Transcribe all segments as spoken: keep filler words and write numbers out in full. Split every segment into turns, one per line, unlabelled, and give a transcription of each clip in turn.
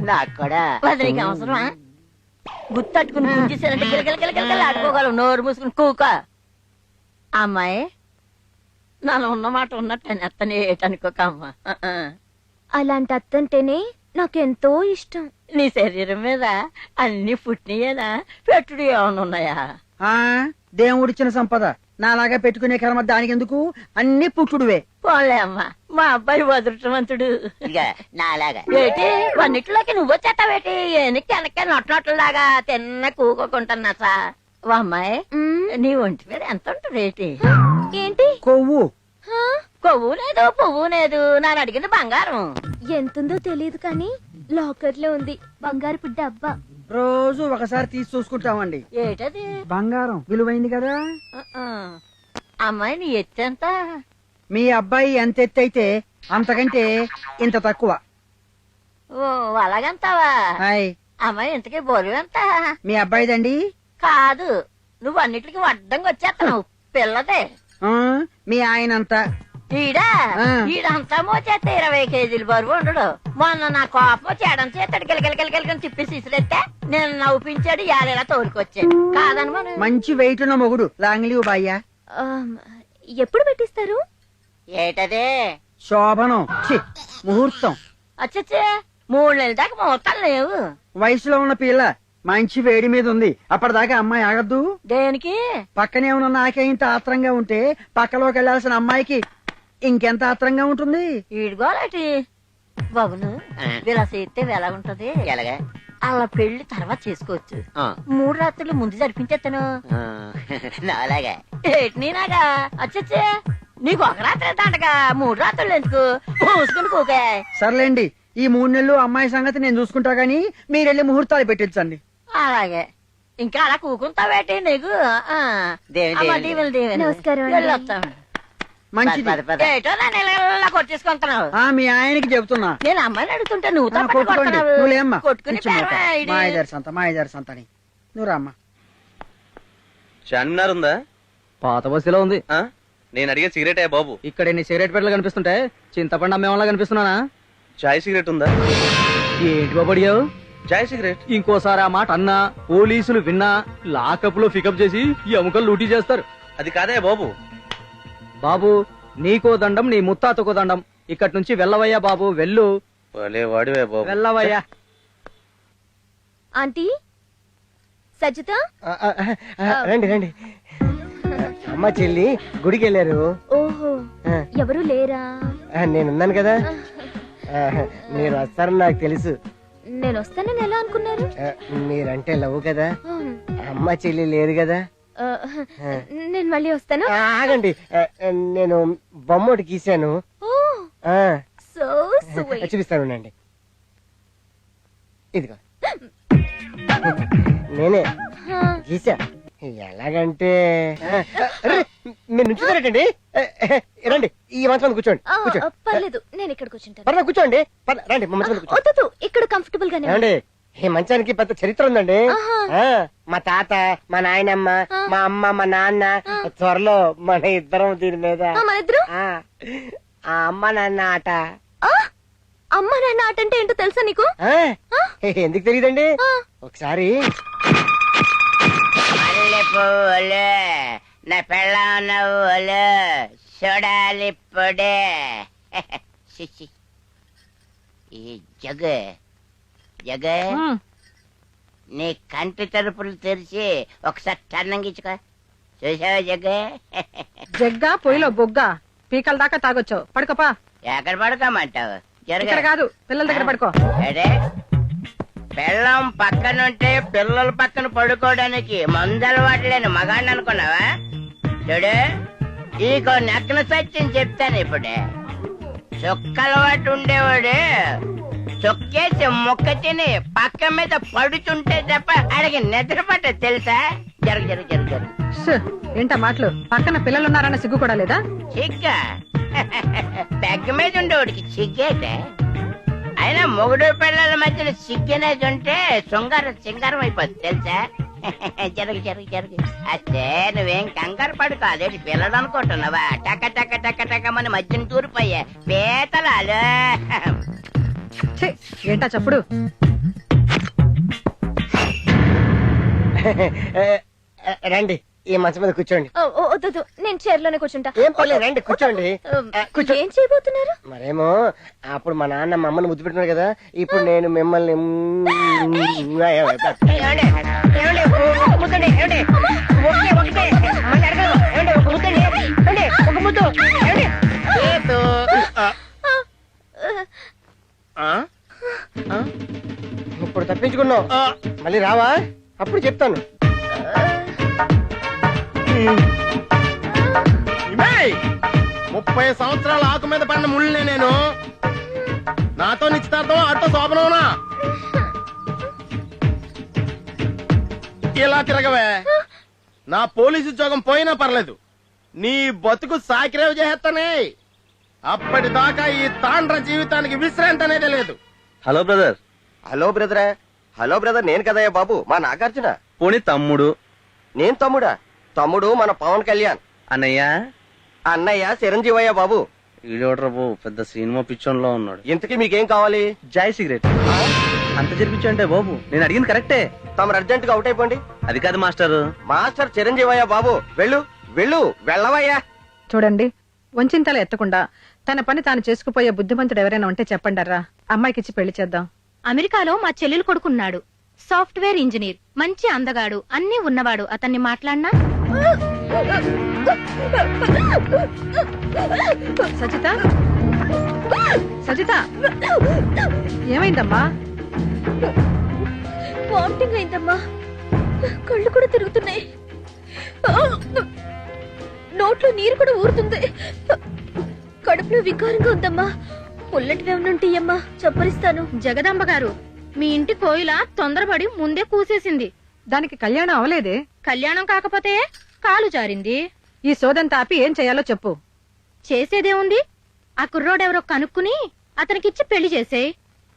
నాకు కూడా
నీకు అవసరమా? గుర్తట్టుకుని గుంజేసానంటే గిలగిలగిలగిలగిల ఆడుకోగలవు. నోరు మూసుకుని కూక. అమ్మాయి నాలో ఉన్న మాట ఉన్నట్టు అత్తనే ఏటనుకోక అమ్మా.
అలాంటి అత్తంటేనే నాకెంతో ఇష్టం.
నీ శరీరం మీద అన్ని పుట్టినయేనా పెట్టుడు ఏమైనా ఉన్నాయా?
ఆ దేవుడిచ్చిన సంపద నాలాగా పెట్టుకునే కర్మ దానికి ఎందుకు? అన్ని పుట్టుడువే.
పోలే అమ్మా, మా అబ్బాయి వదృష్టవంతుడు.
నాలాగా
ఏటి వన్నిటిలోకి నువ్వు వచ్చేస్తావేటి? ఎనక్కి వెనక్కి నొట్లొట్టలాగా తిన్న కూకుంటున్నా సా. ఓ అమ్మాయి, నీ ఒంటి మీద ఎంత ఉంటుంది? ఏంటి
ఏంటి
కొవ్వు?
కొవ్వు లేదు పువ్వు లేదు. ನಾನು అడిగింది బంగారం.
ఎంతుందో తెలియదు కానీ లాకర్ లో ఉంది బంగారు డబ్బా.
రోజు ఒకసారి తీసి చూసుకుంటామండి.
ఏటది?
బంగారం విలువైంది కదా.
అమ్మాయి నీ ఎత్తెంత?
మీ అబ్బాయి ఎంత ఎత్తు అయితే అంతకంటే ఇంత తక్కువ.
ఓ అలాగంతావా?
హాయ్,
అమ్మాయి ఇంతకీ బరువు ఎంత?
మీ అబ్బాయిదండి.
కాదు, నువ్వు అన్నిటికీ అడ్డంగా వచ్చేస్తావు. పిల్లదే.
ఆ, మీ ఆయన అంతా.
ఈడా
ఆ.
ఈడంతా మోచేస్తే ఇరవై కేజీలు బరువు ఉండడు. మొన్న నా కోపం చేయడం చేస్తాడు గిలగిలగిలగిలగని తిప్పి సిసిరెత్తే నేను నవ్వుపించాడు. యాలేలా తోలుకొచ్చాడు. కాదని మనం
మంచి వెయిట్ ఉన్న మొగుడు లాంగ్లీవ్ బాయ్యా.
ఎప్పుడు పెట్టిస్తారు?
ఏటదే
శోభనం, ఛీ, ముహూర్తం.
అచ్చచ్చే మూడు నెలల దాకా ముహూర్తాలు లేవు.
వయసులో ఉన్న పిల్ల మంచి వేడి మీద ఉంది. అప్పటిదాకా అమ్మాయి ఆగద్దు.
దేనికి?
పక్కనే ఉన్న నాకే ఇంత ఆత్రంగా ఉంటే పక్కలోకి వెళ్లాల్సిన అమ్మాయికి ఇంకెంత ఆత్రంగా ఉంటుంది.
ఈడుగోలాటి బాబును ఇలా చేస్తే ఎలా ఉంటది?
ఎలాగా?
అలా పెళ్లి తర్వాత చేసుకోవచ్చు.
ఆ.
మూడు రాత్రులు ముందు జరిపించేస్తాను.
ఆ, నాలాగా
ఏటి నీనాగా? అచ్చచ్చే నీకు ఒక రాత్రి దండగా మూడు రాత్రులు ఎందుకు? మూసుకుని కూకే.
సర్లేండి, ఈ మూడు నెలలు అమ్మాయి సంగతి నేను చూసుకుంటా గానీ మీరెళ్ళి ముహూర్తాలు పెట్టించండి.
అలాగే. ఇంకా అలా కూకుంటావేటి నీకు? ఆ.
దేవి,
అమ్మా,
దేవి.
దీవెనలు, దీవెనలు.
నమస్కారం అండి.
వెళ్ళొస్తాం.
మంచిది.
పద, పద.
ఏటో నన్ను ఇలా కొట్టేసుకుంటున్నావు.
ఆ మీ ఆయనకి చెబుతున్నా.
నేను అమ్మాయిని అడుగుతుంటే నువ్వు
ఆ,
తప్ప
కొట్టుకోండి.
కొడుతున్నావు.
నువ్వులేమ్మా.
కొట్టుకుని పేరమా ఇది?
మాయదారి సంత మాయదారి సంత అని నువ్వు రామ్మా.
చార్మినార్ ఉందా?
పాత బస్సులో ఉంది.
ఆ? నేను అడిగే సిగరెట్ అయ్యా బాబు.
ఇక్కడ ఎన్ని సిగరెట్ పెట్టలు కనిపిస్తుంటే చింతపండు అమ్మేవాళ్ళ కనిపిస్తున్నానా?
చాయ్ సిగరెట్ ఉందా?
ఏంటి బాబు అడిగావు?
చాయ్ సిగరెట్.
ఇంకోసారి ఆ మాట అన్నా పోలీసులు విన్నా లాకప్ లో పికప్ చేసి ఎముకలు లూటీ చేస్తారు.
అది కాదయ్యా బాబు.
బాబు నీకో దండం, నీ ముత్తాతకో దండం. ఇక్కడి నుంచి వెళ్ళవయ్యా బాబు, వెళ్ళు.
భలే వాడివే బాబు.
వెళ్ళవయ్యా.
ఆంటీ సజ్జత
రండి రండి. అమ్మ చెల్లి గుడికి వెళ్ళారు.
ఓహో, ఎవరు లేరా?
నేనున్నాను కదా. ఆ, మీరు వస్తారని నాకు తెలుసు.
నేను వస్తానని ఎలా అనుకున్నారు?
ఆ, మీరంటే లవ్ కదా.
ఉమ్,
అమ్మ చెల్లి లేదు కదా.
ఆ, నేను మళ్ళీ వస్తాను.
ఆ, ఆగండి. ఆ, నేను బొమ్మ ఒకటి గీశాను.
ఓ
ఆ,
సో స్వీట్.
చూపిస్తాను అండి. ఇదిగో నేనే గీసా. ఎలాగంటే ఆ, అరే, మీరు నుంచుతారటండి. రండి, ఈ మంచం మీద కూర్చోండి.
ఆ,
కూర్చోండి.
పర్లేదు, నేను ఇక్కడ కూర్చుంటాను.
పర్లేదు కూర్చోండి. పర్లేదు, రండి మా మంచం మీద కూర్చోండి.
వద్దు, ఇక్కడ కంఫర్టబుల్ గానే ఉంది.
ఏమండి, ఈ మంచానికి పెద్ద చరిత్ర ఉందండి.
ఆహా.
ఆ, మా తాత, మా నాయనమ్మ,
ఆ.
మా అమ్మ, మా నాన్న, త్వరలో మన ఇద్దరం దీని మీద.
ఆ, మన ఇద్దరు
ఆ, ఆ అమ్మ నాన్న ఆట.
ఆ, అమ్మ నాన్న ఆట అంటే ఏంటో తెలుసా నీకు?
ఆ,
ఆ.
ఎందుకు తెలియదండి?
ఆ.
ఒకసారి
మల్లె పువ్వులు నా పెళ్ళ నవ్వులు చూడాలి పొడే. చిచి. ఈ జగ జగ నీ కంటి తలుపులు తెరిచి ఒకసారి టన్నంగిచ్చుకో. చూసావా జగ?
జగ్గా పొయ్యిలో బొగ్గా పీకల దాకా తాగొచ్చావు. పడుకోపా.
ఎక్కడ పడుకోమంటావు?
ఇక్కడ
జరగ
కాదు, పిల్లల దగ్గర పడుకో.
అడే పిల్లం పక్కనుంటే పిల్లల పక్కన పడుకోవడానికి మందలవాటు లేని మగాడిని అనుకున్నావా? చూడు, ఈకో నక్కన సత్యం చెప్తాను ఇప్పుడే. చుక్కలవాటు ఉండేవాడు చొక్కేసి ముక్క తిని పక్క మీద పడుతుంటే తప్ప అడిగి నిద్ర పట్ట తెలుసా? జరుగు జరుగు జరుగు జరుగు.
ష్, ఏంటా మాటలు? పక్కన పిల్లలున్నారన్న సిగ్గు కూడా లేదా?
చిగ్గా పెగ్గ మీద ఉండేవాడికి చిగ్గేటే. అయినా మొగుడు పిల్లల మధ్యన సిగ్గనేది ఉంటే శృంగారం సింగారం అయిపోద్ది తెలుసా? జరుగు జరుగు జరుగు. అస్తే నువ్వేం కంగారు పడుకో. అదేంటి పిల్లలు అనుకుంటున్నావా? టక టక టక టక మన మధ్యన తూరిపోయా పీతలాలు.
ఛీ, ఏంటా చప్పుడు
రండి ఈ మంచం మీద కూర్చోండి.
ఓ, ఓ, వద్దు, వద్దు. నేను చైర్లోనే కూర్చుంటా.
ఏం పర్లేదు రండి కూర్చోండి. ఆ, కూర్చో.
ఏం చేయబోతున్నారు?
మరేమో అప్పుడు మా నాన్న మా అమ్మని ముద్దు పెట్టున్నాడు కదా, ఇప్పుడు నేను మిమ్మల్ని మ్మ్
ఏమండి? ఏమండి? ఒక ముద్దండి, ఏమండి? ఒకటే, ఒకటే. మళ్ళీ అడగను. ఏమండి? ఒక ముద్దండి. ఏమండి? ఒక ముద్దు. ఏమండి? లేదు. ఆ? ఆ?
ఇప్పుడు తప్పించుకున్నావు, మళ్ళీ రావా? అప్పుడు చెప్తాను.
ఇమేయ్! ముప్పై సంవత్సరాల ఆకు మీద పడిన ముళ్ళనే నేను. నాతో నిశ్చితార్థం అట్టో శోభనవునా? ఇలా తిరగవే. నా పోలీసు ఉద్యోగం పోయినా పర్లేదు, నీ బతుకు సాకిరేవ్ చేస్తానే. అప్పటిదాకా ఈ తాండ్ర జీవితానికి విశ్రాంతి అనేది లేదు.
Hello brother.
హలో బ్రదరా? హలో బ్రదర్ నేను కదయ్యా బాబు, మా నాగార్జున.
పోనీ తమ్ముడు.
నేను తమ్ముడా? తమ్ముడు మన పవన్ కళ్యాణ్.
అన్నయ్య.
అన్నయ్య చిరంజీవయ్య బాబు.
ఈడోడ్రా బాబు, పెద్ద సినిమా పిచ్చోన్లో ఉన్నాడు.
ఇంతకీ మీకేం కావాలి?
జాయ్ సిగరెట్. అంత జరిపించు అంటే బాబు, నేను అడిగింది కరెక్టే.
తమరు అర్జెంట్ గా అవుట్ అయిపోండి.
అది కాదు మాస్టర్.
మాస్టర్ చిరంజీవయ్య బాబు, వెళ్ళు వెళ్ళు వెళ్ళవయ్యా.
చూడండి, వంచింతలు ఎత్తకుండా తన పని తాను చేసుకుపోయే బుద్ధిమంతుడు ఎవరైనా ఉంటే చెప్పండర్రా. అమ్మాయికిచ్చి పెళ్లి చేద్దాం.
అమెరికాలో మా చెల్లెలు కొడుకున్నాడు, సాఫ్ట్వేర్ ఇంజనీర్, మంచి అందగాడు, అన్నీ ఉన్నవాడు. అతన్ని మాట్లాడినా
సజిత, సజిత, ఏమైందమ్మా?
వామిటింగ్ అయిందమ్మా, కళ్ళు కూడా తిరుగుతున్నాయి, నోట్లో నీరు కూడా ఊరుతుంది, కడుపులో వికారంగా ఉందమ్మా. పుల్లటి వేమనుంటాయమ్మా, చప్పరిస్తాను.
జగదాంబ గారు, మీ ఇంటి కోయిల తొందరపడి ముందే కూసేసింది.
దానికి కళ్యాణం అవలేదే.
కళ్యాణం కాకపోతే కాలు జారింది.
ఈ సోదంతా ఆపి ఏం చేయాలో చెప్పు.
చేసేదేముంది, ఆ కుర్రోడెవరో కనుక్కుని అతనికిచ్చి పెళ్లి చేసేయ్.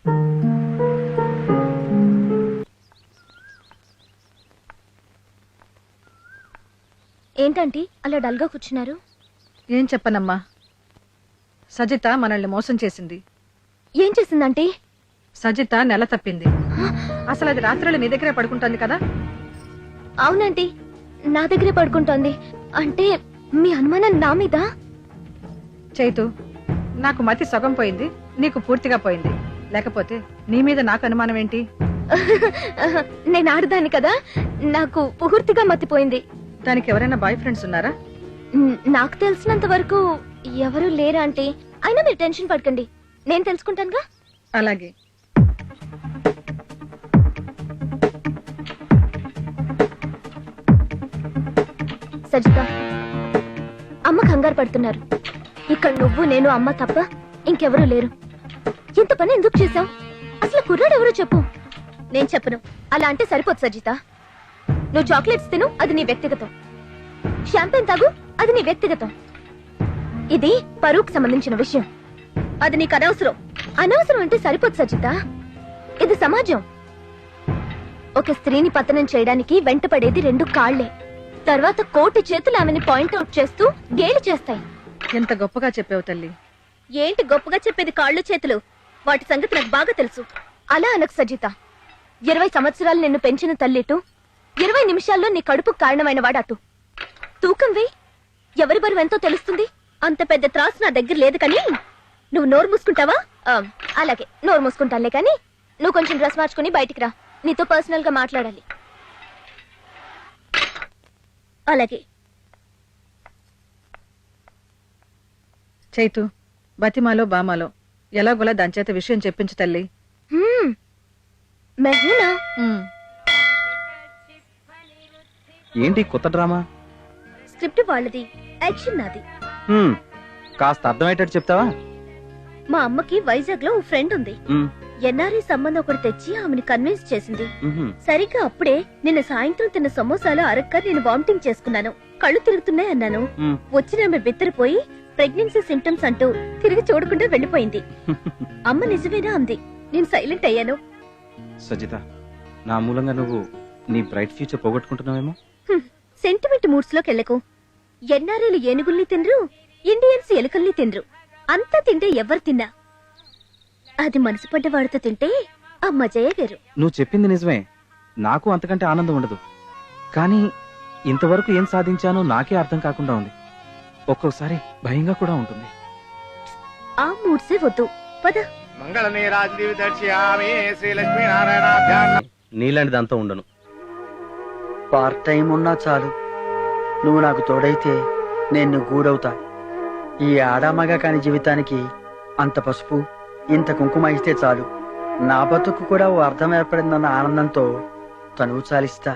ఏంటంటీ అలా డల్గా కూర్చున్నారు?
ఏం చెప్పనమ్మా, సజిత మనల్ని మోసం చేసింది.
ఏం చేసిందంటీ?
సజిత నెల తప్పింది. అసలు అది రాత్రులు నీ దగ్గరే పడుకుంటుంది కదా?
అవునంటీ, నా దగ్గరే పడుకుంటోంది. అంటే మీ అనుమానం నా మీద?
చైతు, నాకు మతి సగం పోయింది, నీకు పూర్తిగా పోయింది. లేకపోతే నీ మీద నాకు అనుమానం ఏంటి?
నేను ఆడదాన్ని కదా, నాకు పూర్తిగా మతిపోయింది.
దానికి ఎవరైనా బాయ్ ఫ్రెండ్స్ ఉన్నారా?
న్- నాకు తెలిసినంత వరకు ఎవరూ లేరా ఆంటీ. అయినా మీరు టెన్షన్ పడకండి, నేను తెలుసుకుంటానుగా.
అలాగే.
సజిత, అమ్మ కంగారు పడుతున్నారు. ఇక్కడ నువ్వు నేను అమ్మ తప్ప ఇంకెవరూ లేరు. ఇంత పని ఎందుకు చేశావు? అసలు కుర్రాడు ఎవరో చెప్పు. నేను చెప్పను. అలా అంటే సరిపోదు సజిత. నువ్వు చాక్లెట్స్ తిను, అది నీ వ్యక్తిగతం. షాంపెన్ తాగు, అది నీ వ్యక్తిగతం. ఇది పరువుకు సంబంధించిన విషయం, అది నీకు అనవసరం. అనవసరం అంటే సరిపోదు సజిత. ఇది సమాజం. ఒక స్త్రీని పతనం చేయడానికి వెంటపడేది రెండు కాళ్లే. తర్వాత కోటి చేతులు ఆమెని పాయింట్అవుట్ చేస్తూ గేలి చేస్తాయి.
ఎంత గొప్పగా చెప్పావు తల్లి.
ఏంటి గొప్పగా చెప్పేది? కాళ్ళు చేతులు, వాటి సంగతి నాకు బాగా తెలుసు. అలా అనకు సజిత. ఇరవై సంవత్సరాలు నిన్ను పెంచిన తల్లిటు, ఇరవై నిమిషాల్లో నీ కడుపు కారణమైన వాడటు. తూకం వేయి, ఎవరి బరువు ఎంతో తెలుస్తుంది. అంత పెద్ద త్రాసు నా దగ్గర లేదు. కానీ నువ్వు నోరు మూసుకుంటావా? ఆ, అలాగే నోరు మూసుకుంటానులే. కానీ నువ్వు కొంచెం డ్రెస్ మార్చుకుని బయటికి రా, నీతో పర్సనల్ గా మాట్లాడాలి. అలాగే.
చైతు, బతిమాలో బామాలో ఎలాగోలా దాని చేత విషయం చెప్పించు తల్లి.
హ్మ్. మెహూనా?
ఉమ్.
ఏంటి కొత్త డ్రామా?
స్క్రిప్ట్ వాళ్ళది, యాక్షన్ నాది.
హ్మ్, కాస్త అర్థమయ్యేటట్టు చెప్తావా?
మా అమ్మకి వైజాగ్ లో ఓ ఫ్రెండ్ ఉంది.
హ్మ్,
ఎన్ఆర్ఐ సంబంధం ఒకటి తెచ్చి ఆమెను కన్విన్స్ చేసింది.
మ్హూ.
సరిగ్గా అప్పుడే నిన్న సాయంత్రం తిన్న సమోసాలు అరక్క నేను వామిటింగ్ చేసుకున్నాను. కళ్ళు తిరుగుతున్నాయి అన్నాను.
హ్మ్.
వచ్చిన ఆమె బిత్తరపోయి ప్రెగ్నెన్సీ సింటమ్స్ అంటూ తిరిగి చూడకుండా వెళ్లిపోయింది. అమ్మ నిజమేనా అంది. నేను సైలెంట్ అయ్యాను.
సజిత, నా మూలంగా నువ్వు నీ బ్రైట్ ఫ్యూచర్ పోగొట్టుకుంటున్నావేమో.
సెంటిమెంట్ మూడ్స్ లోకి వెళ్ళకు. ఎన్ఆర్ఐలు ఏనుగుల్ని తినరు, ఇండియన్స్ ఎలుకల్ని తినరు. అంతా తింటే ఎవరు తిన్నా అది మనసు పడ్డ వాడితో తింటే ఆ మజయే వేరు.
నువ్వు చెప్పింది నిజమే, నాకు అంతకంటే ఆనందం ఉండదు. కానీ ఇంతవరకు ఏం సాధించానో నాకే అర్థం కాకుండా ఉంది. ఒక్కొక్కసారి భయంగా కూడా ఉంటుంది.
ఆ మూడ్సే వద్దు, పద.
మంగళ నీరాజీవి దర్శయామి శ్రీ లక్ష్మీనారాయణ.
నీలాంటిదంతా ఉండను.
పార్ట్ టైం ఉన్నా చాలు, నువ్వు నాకు తోడైతే నేను గూడవుతా. ఈ ఆడామగా కాని జీవితానికి అంత పసుపు ఇంత కుంకుమ ఇస్తే చాలు. నా బతుకు కూడా ఓ అర్థం ఏర్పడిందన్న ఆనందంతో తనువు చాలిస్తా.